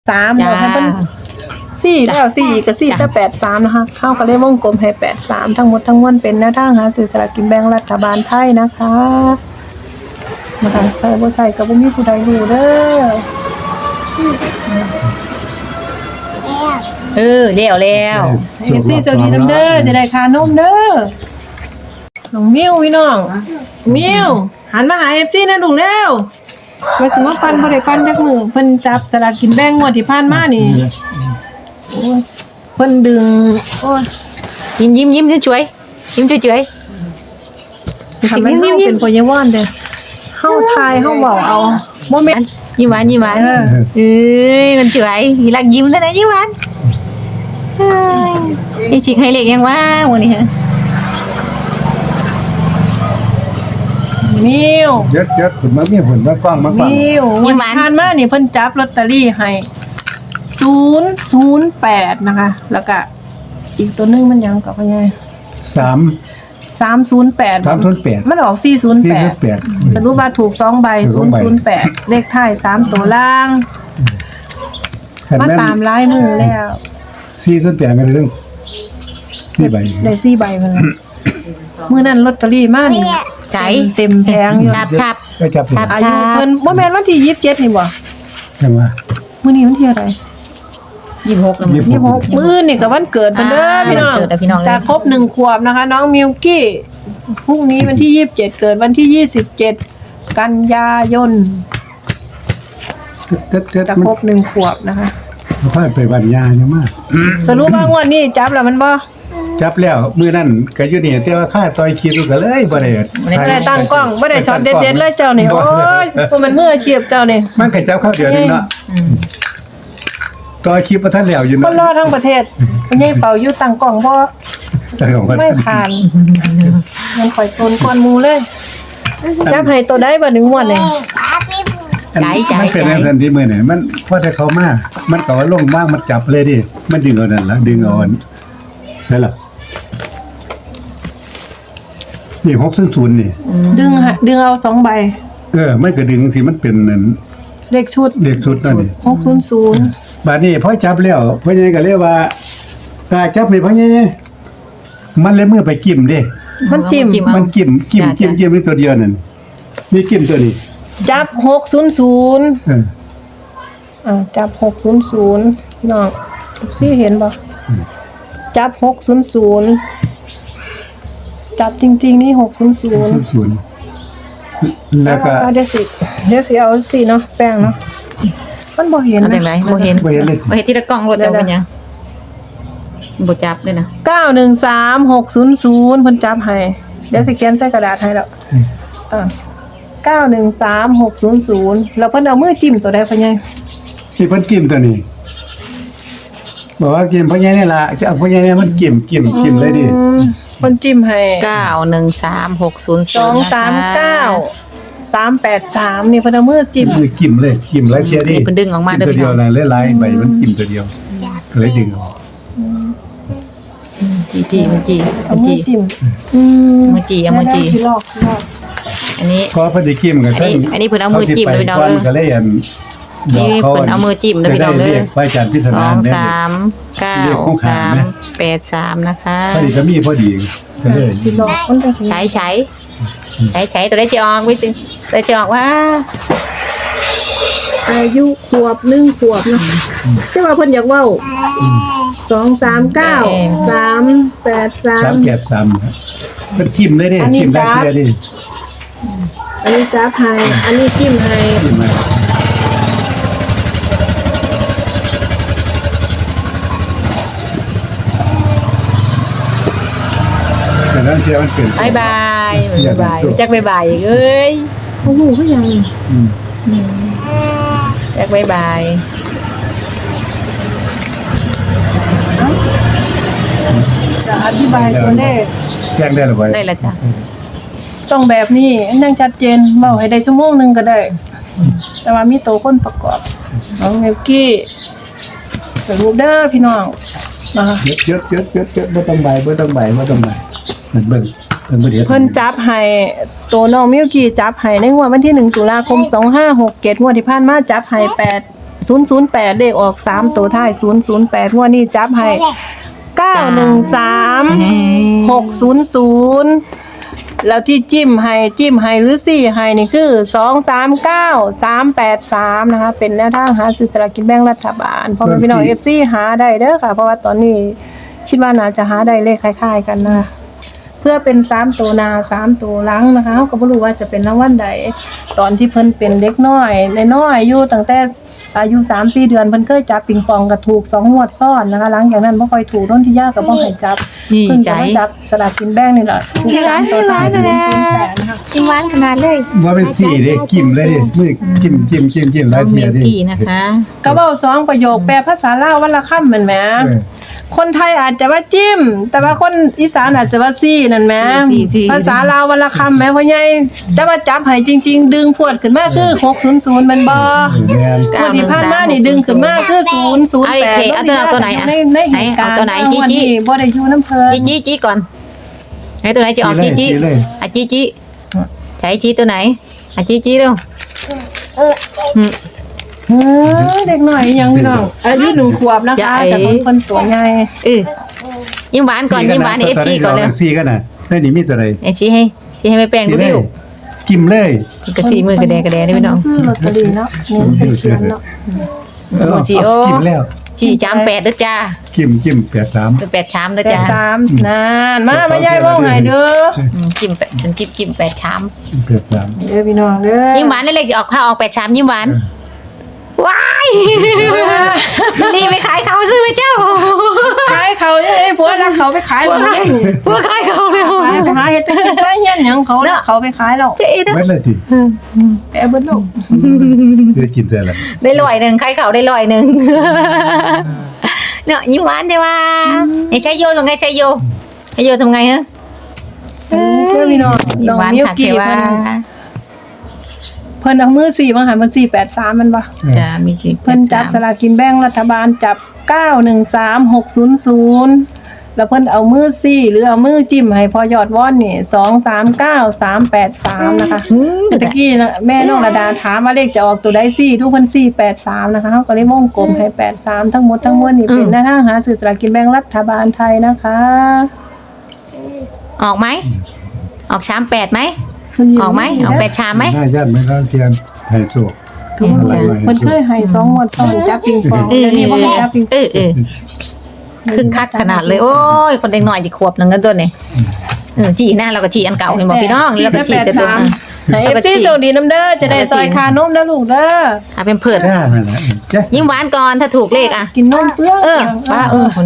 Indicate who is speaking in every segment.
Speaker 1: 83บอกให้เพิ่น4แล้ว4อีกก็4แต่83นะคะเข้าก็เลยวงกลมให้83ทั้งหมดทั้งมวลเป็นแนวทางหาซื้อสลากกินแบ่งรัฐบาลไทยนะคะใส่บ่ใส่ก็บ่มีผู้ใดรู้เด้อ
Speaker 2: แล้ว
Speaker 1: FC สวัสดีน้ำเด้อจะได้ค่านมเด้อน้องมิวพี่น้องมิวหันมาหา FC นะลูกแล้วว่าสิมาปันบ่ได้ปันจักมื้อเพิ่นจับสลากกินแบ่งงวดที่ผ่านมานี่โอ้ยเพิ่นดึงโอ้ย
Speaker 2: ยิ้มช่วยยิ้มช่วย
Speaker 1: ทำให้เฮาเป็นพยาวันเด้อเฮาทายเฮาเว้าเอาบ่แม่น
Speaker 2: ยิ้มหวานมันสวยรักยิ้มแล้วนะยิ้มหวานยิ้มชิคให้เล็กยังว่าวันนี้ฮะ
Speaker 1: มิว
Speaker 3: เยอะขึ้นมามีผลมากว้างมากกว่า
Speaker 1: มิววันผ่านมานี่เพิ่นจับลอตเตอรี่ให้008นะคะแล้วก็อีกตัวนึงมันยังกับว่าไง
Speaker 3: 308
Speaker 1: 308มันออก408สรุปว่าถูก2ใบ008เลขท้าย3ตัวล่างมาตามลายมือแล้ว
Speaker 3: 408มันเรื่อง4ใบ
Speaker 1: ได้4ใบมาแล้วมื้อนั้นลอตเตอรี่มานี่
Speaker 2: ใจ
Speaker 1: เต็มแผงอยู่
Speaker 2: ชับ
Speaker 3: ก็จับสิ
Speaker 1: อายุเพิ่นบ่แม่นวันที่27นี่บ่
Speaker 3: จังว่า
Speaker 1: มื้อนี้วันที่อะไร
Speaker 2: 26แล้วมั้ง
Speaker 1: 26มื้ออื่นนี่ก็วันเกิดเพิ่นเด้อพี่น้อง
Speaker 2: วันเกิดพี่น้องเลย
Speaker 1: จะครบ1ขวบนะคะน้องมิวกี้พรุ่งนี้วันที่27เกิดวันที่27กันยายนจะครบ1ขวบนะคะ
Speaker 3: มันค่อยไปบัญญาเนี่ยมาก
Speaker 1: สรุปว่างวดนี้จับแล้วมันบ่
Speaker 3: จับแล้วมื้อนั้นก็อยู่นี่แต่ว่าค่าต่อยคิดก็เลยบ่ได้
Speaker 1: บ่ได้ตั้งกล้องบ่ได้ช็อตเด็ดๆเลยเจ้านี่โอ้ยพวกมันมืออาชีพเจ้านี่
Speaker 3: มันก็จับเข้าเดียวนึงเนาะต่อยคลิปบ่ทันแล้วอยู่
Speaker 1: คนรอทั้งประเทศมันยังเฝ้าอยู่ตั้งกล้องบ่
Speaker 3: แต่ของมัน
Speaker 1: ไม่ผ่านมันข่อยตนก่อนหมู่เลยจับให้ตัวใดบ่ถึงงวดนี่
Speaker 3: มันเป็นในทันทีมื้อนี่มันพอแต่เขามามันก็ว่าลงมากมันจับเลยดิมันดึงเอานั่นล่ะดึงเอาใช่ล่ะนี่600นี่
Speaker 1: ดึงเอา2ใบ
Speaker 3: มันก็ดึงสิมันเป็นนั่น
Speaker 1: เลขชุด
Speaker 3: เลขชุดนั่นนี่
Speaker 1: 600
Speaker 3: บาดนี้พอจับแล้วพ่อใหญ่ก็เรียกว่าถ้าจับนี่พ่อใหญ่มันเลยมือไปกิ้มเด้
Speaker 1: มันจิ้ม
Speaker 3: มันกิ้มนี่ตัวเดียวนั่นนี่กิ้มตัวนี้
Speaker 1: จับ600
Speaker 3: เออ
Speaker 1: จับ600พี่น้องสิเห็นบ่จับ600จับจริงๆนี่600
Speaker 3: แล้วก็
Speaker 1: เดี๋ยวสิเอาสิเนาะแป้งเนาะมันบ่เห็น
Speaker 2: เอาจังได๋บ่เห็น
Speaker 3: บ่เห็นเลย
Speaker 2: บ่เห็นที่ละกล้องรถแต่เป็นหยังบ่จับเลยนะ
Speaker 1: 913600เพิ่นจับให้เดี๋ยวสิเขียนใส่กระดาษให้แล้ว913600แล้วเพิ่นเอามือจิ้มตัวใดพ่อใหญ่
Speaker 3: ที่เพิ่นกิ้มตัวนี้บอกว่ากิ้มพ่อใหญ่นี่ล่ะจะเอาพ่อใหญ่นี่มันกิ้มเลยดิ
Speaker 1: เพิ่นจิ้มให้
Speaker 2: 913600
Speaker 1: นี่เพิ่นเอามือจิ้ม
Speaker 3: คือกิ้มเลยกิ้มหลายเที่ยดิ
Speaker 2: นี่เพิ่นดึงออกมาเด้อ
Speaker 3: ตัว
Speaker 2: พี่
Speaker 3: เดี
Speaker 2: น้
Speaker 3: ยว
Speaker 2: อง
Speaker 3: น่ะหลายๆใบมันกิ้มตัวเดียวก็เลยดึงออก
Speaker 2: จีมันจี
Speaker 1: เอามือจิ้ม
Speaker 2: มือจีเอามือจี
Speaker 1: สิลอก
Speaker 2: อันนี้
Speaker 3: ก็เพิ่นสิกิ้มกัน
Speaker 2: อันนี้เพิ่นเอามือจิ้มเลยพี่น้องเด้อ
Speaker 3: ก็เลยอัน
Speaker 2: นี่เพิ่นเอามือจิ้มเลยพี่น้องเด้อ
Speaker 3: ไปจันพิธนาเนี่ย
Speaker 2: 2393นะคะ
Speaker 3: พอดีก็มีพอดีก็เลย
Speaker 1: สิลอกมันจังสิ
Speaker 2: ใช้ตัวได้จะออกไม่จริงจะออกว่า
Speaker 1: อายุขวบ1ขวบเนาะแต่ว่าเพิ่นอยากเว้า239 383
Speaker 3: 383เป็นกิ้มเลยเด้กิ้มได้เที่ยดิ
Speaker 1: อันนี้จับให้อันนี้จิ้มให้
Speaker 3: กิ้มมาแต่นั้นเที่ยมันเป็น
Speaker 2: บายบายจักบายบายเอ้ย
Speaker 1: โอ้โหก็ยัง
Speaker 2: จักบายบาย
Speaker 1: จะอธิบายตัวเลข
Speaker 3: แจ้งได้หรือเปล่า
Speaker 2: ได้ละจ้ะ
Speaker 1: ต้องแบบนี้นั่งชัดเจนเว้าให้ได้ชั่วโมงนึงก็ได้ แต่ว่ามีตัวคนประกอบน้องมิวกี้สรุปเด้อพี่น้องนะคะ
Speaker 3: เยอะบ่ต้องใบมันเบิ่งบ่เดี๋ยว
Speaker 1: เพิ่นจับให้ตัวน้องมิวกี้จับให้ในงวดวันที่1ตุลาคม2567งวดที่ผ่านมาจับให้ 008เลขออก3ตัวท้าย008งวดนี้จับให้913 600แล้วที่จิ้มให้หรือซี่ให้นี่คือ239 383นะคะเป็นแนวทางหาซื้อสลากกินแบ่งรัฐบาลเพราะว่าพี่น้อง FC หาได้เด้อค่ะเพราะว่าตอนนี้คิดว่าน่าจะหาได้เลขคล้ายๆกันนะคะเพื่อเป็น3ตัวหน้า3ตัวหลังนะคะก็บ่รู้ว่าจะเป็นรางวัลใดตอนที่เพิ่นเป็นเด็กน้อยน้อยอยู่ตั้งแต่อายุ 3-4 เดือนเพิ่นเคยจับปิงปองก็ถูก2งวดซ้อนนะคะหลังจากนั้นบ่ค่อยถูกโดนที่ยากก็บ่ให้จับ
Speaker 2: นี่
Speaker 1: เพิ่ง
Speaker 2: ใจ
Speaker 1: จะมาจับสลากกินแบ่งนี่แหละถูก3ตัวท้าย008นะคะ
Speaker 2: กินหวานขนาดเลย
Speaker 3: ว่าเป็นสี่เด้กิมเลยดิมือกิมห
Speaker 2: น้
Speaker 3: ลา
Speaker 2: อย ง
Speaker 3: เที
Speaker 2: มิ
Speaker 3: ยว ดิ
Speaker 2: กี้นะคะ
Speaker 1: ก็เว้า2ประโยคแปลภาษาลาววันละคำแม่นแหม
Speaker 3: เออ
Speaker 1: คนไทยอาจจะว่าจิ้ม แต่ว่าคนอีสานอาจจะว่าซี่นั่นแหมภาษาลาววันละคำแหมพ่อใหญ่แต่ว่าจับให้จริงๆดึงพวดขึ้นมาคือ600มันบ่
Speaker 3: แม่น
Speaker 1: คนที่ผ่านมานี่ดึงขึ้นมาคือ008
Speaker 2: เอาตัวไหนอ่ะ
Speaker 1: ในเหตุการณ์
Speaker 2: เอาตัวไหนจี้
Speaker 1: วันนี้บ่ได้อยู่น้ำเพิ่น
Speaker 2: จี้ก่อนไหนตัวไหนจะออกจี้
Speaker 3: เลย
Speaker 2: อ่ะจี้ใช้จี้ตัวไหนอ่ะจี้เร็ว
Speaker 1: เด็กหน่อยยังพี่น้องอายุ1 ขวบนะคะแต่บางคนตัวใหญ่
Speaker 2: ยิ้มหวานก่อนยิ้มหวาน FC ก่อนเลย
Speaker 3: สี่กันน่ะได้นี่มีตัวใด
Speaker 2: ไอ้ชี้ให้ไม่แป้งดูดิว
Speaker 3: กิมเลย
Speaker 2: กระสีมือกระแดนี่พี่น้อง
Speaker 1: คือลอตเตอรี่เนาะนี่เป็นเขียนเนาะ
Speaker 2: โอ้สิโอ้
Speaker 3: กิมแล้ว
Speaker 2: จี้จาม8ด้วยจ้า
Speaker 3: กิม83
Speaker 2: เป็น8ชามด้วย
Speaker 1: แต่
Speaker 2: จ้า
Speaker 1: 3นานมายายเว้าให้เด้อ
Speaker 2: จิ้ม8ฉันจิ้ม8ชาม
Speaker 3: 83
Speaker 1: เด้อพี่น้องเด้อ
Speaker 2: ยิ้มหวานเล็กๆจะออกผ้าออก8ชามยิ้มหวานว้ายรีบไปขายเขาซื้อไปเจ้า
Speaker 1: ขายเขาไอ้ผัวรักเขาไปขายเลย
Speaker 2: ผัวขายเขาเลย
Speaker 1: ไปหาเฮ็ดไปกินไปเฮียนหยังเขารักเขาไปขายแล้ว
Speaker 2: เจ๊นะ
Speaker 3: เบิดเลยติ
Speaker 1: ไปเอาเบิดลูก
Speaker 3: ได้กินเสร็จแล้ว
Speaker 2: ได้100ขายเขาได้100เนี่ยยิ้มหวานใช่ป่ะไอ้ชัยโยทำไงชัยโยทำไงฮะ
Speaker 1: เด้อพี่น้อง
Speaker 2: ยิ้
Speaker 1: น้
Speaker 2: ม
Speaker 1: อง
Speaker 2: หวาน
Speaker 1: มิว
Speaker 2: ค่ะ
Speaker 1: กี้
Speaker 2: เทว่า
Speaker 1: เพิ่นเอามือ4มาหันมา483มันบ่
Speaker 2: จะมีจี
Speaker 1: เพิ่นจับสลากกินแบ่งรัฐบาลจับ913600แล้วเพิ่นเอามือ4หรือเอามือจิ้มให้พอยอดว่อนนี่239383นะคะ ตะกี้นะแม่น้องระดาถามว่าเลขจะออกตัวใดทุกคน483นะคะเขาก็เลยวงกลมให้83ทั้งหมดทั้งมวลนี่เป็นหน้าทางหาซื้อสลากกินแบ่งรัฐบาลไทยนะคะ
Speaker 2: ออกไหมออกชาม8ไหมออกไหมออก8ชามไหม
Speaker 3: หน้าย่านไม่ร้านเทียนไฮโซ
Speaker 1: ทุกคนเพิ่นเคยให้2งวดซ้อนจับปิงปองเดี๋ยวนี้บ่ให้จับปิงปอง
Speaker 2: คึกคักขนาดเลยโอ้ยคนเด็กหน่อยจีขวบนึงกันตัวนี่จีหน้าเราก็จีอันเก่าเห็นบอกพี่น้องแล้วก็จีแต่ตัว
Speaker 1: ให้ FC โชคดีนำเด้อจะได้ซอยคานมเด้อลูกเด้อ
Speaker 2: เป็นเผือก
Speaker 3: จ้านั่นแหละจ้ะ
Speaker 2: ยิ้มหวานก่อนถ้าถูกเลขอ่ะ
Speaker 1: กินนมเปลือก
Speaker 2: ว่า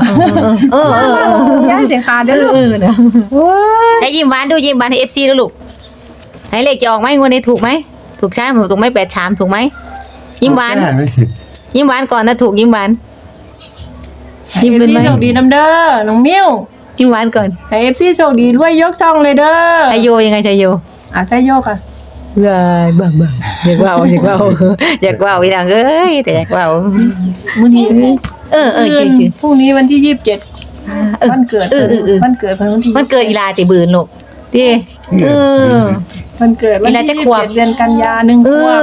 Speaker 1: ย่าเสียงคาเด้อ
Speaker 2: นะ
Speaker 1: โอ้ย
Speaker 2: ให้ยิ้มหวานดูยิ้มหวานให้ FC ด้วยลูกให้เลขจะออกไหมงวดนี้ถูกไหมถูกใช่ไหมถูกไหม8ชามถูกไหมยิ้มหวาน
Speaker 3: จ้ไหม
Speaker 2: ยิ้มหวานก่อนถ้าถูกยิ้มหวาน
Speaker 1: ยิ้มเป็นโชคดีนำเด้อน้องมิ้ว
Speaker 2: ยิ้มหวานก่อน
Speaker 1: ให้ FC โชคดีรวยยกช่องเลยเด้อ
Speaker 2: ไอโยยังไงจะโย
Speaker 1: ใจโยกอ่ะ
Speaker 2: บ้าอยากว่าพี่นางเอ้ยแต่อยากว่า
Speaker 1: มื้อนี้
Speaker 2: จืด
Speaker 1: พรุ่งนี้วันที่27วันเกิดวันเกิดเพิ่นวันที่
Speaker 2: มันเกิดอีลาติบืนลูกดิ
Speaker 1: วันเกิดวัน
Speaker 2: เวลาจะ
Speaker 1: ที่
Speaker 2: ขวบ
Speaker 1: 27เดือนกันยา1ขวบ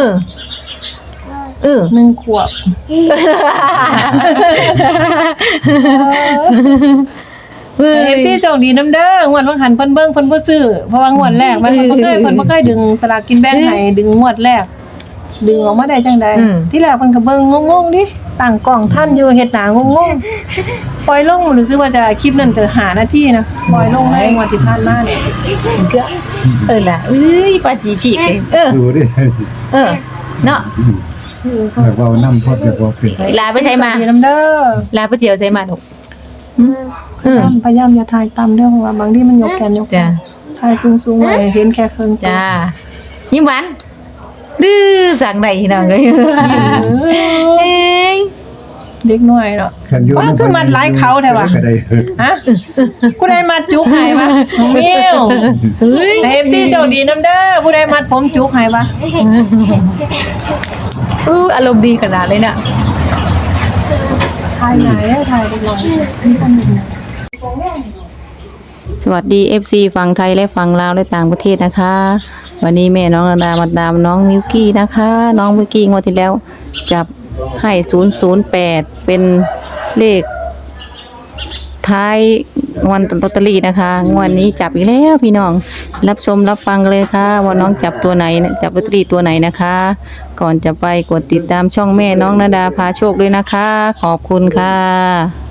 Speaker 1: 1 ขวบFC โชคดีนำเด้องวดว่าหันเพิ่นเบิ่งเพิ่นบ่ซื้อเพราะว่างวดแรกมันเพิ่นบ่เคยดึงสลากกินแบ่งให้ดึงงวดแรกดึงออกมาได้จังได๋ที่แรกเพิ่นก็เบิ่งงงๆดิตั้งกล้องท่านอยู่เฮ็ดหน้างงๆปล่อยลงรู้สึกว่าจะคลิปนั้นจะ5นาทีนะปล่อยลงในงวดที่ผ่านมานี่
Speaker 2: ก็น่ะปาจีฉีก
Speaker 3: ดูดิ
Speaker 2: เนาะ
Speaker 3: แบบว่าน้ำพอดแบบว่าเป็น
Speaker 2: ลาไปใช้มา
Speaker 1: โชคดีนำเด้อ
Speaker 2: ลาไปเที่ยวใช้มาลูก
Speaker 1: พยายามอย่าถ่ายต่ำเด้อเพราะว่าบางทีมันยกแขนยก
Speaker 2: จ้ะ
Speaker 1: ถ่ายสูงๆไว้เห็นแค่ครึ่งตัว
Speaker 2: จ้ายิ้มหวานดื้อสั่งไหนน้องเอ้ย
Speaker 1: เด็กน้อยเนาะ
Speaker 3: ขันยู
Speaker 1: ว่าคือมัดหลายเขาแท้ว่ะ
Speaker 3: ก็ได้
Speaker 1: ฮะผู้ใดมัดจุกให้วะน้องมิวให้ FC โชคดีนำเด้อผู้ใดมัดผมจุกให้วะ
Speaker 2: อารมณ์ดีขนาดเลยน่ะ
Speaker 1: ถ่ายไหนถ่ายเด็กน้อยมีคนหนึ่ง
Speaker 2: สวัสดี FC ฝั่งไทยและฝั่งลาวและต่างประเทศนะคะ วันนี้แม่น้องระดามาดามน้องมิวกี้นะคะ น้องมิวกี้งวดที่แล้วจับให้008เป็นเลขท้ายวันลอตเตอรี่นะคะงวดนี้จับอีกแล้วพี่น้องรับชมรับฟังเลยค่ะว่าน้องจับตัวไหนจับลอตเตอรี่ตัวไหนนะคะ ก่อนจะไปกดติดตามช่องแม่น้องณดาพาโชคด้วยนะคะขอบคุณค่ะ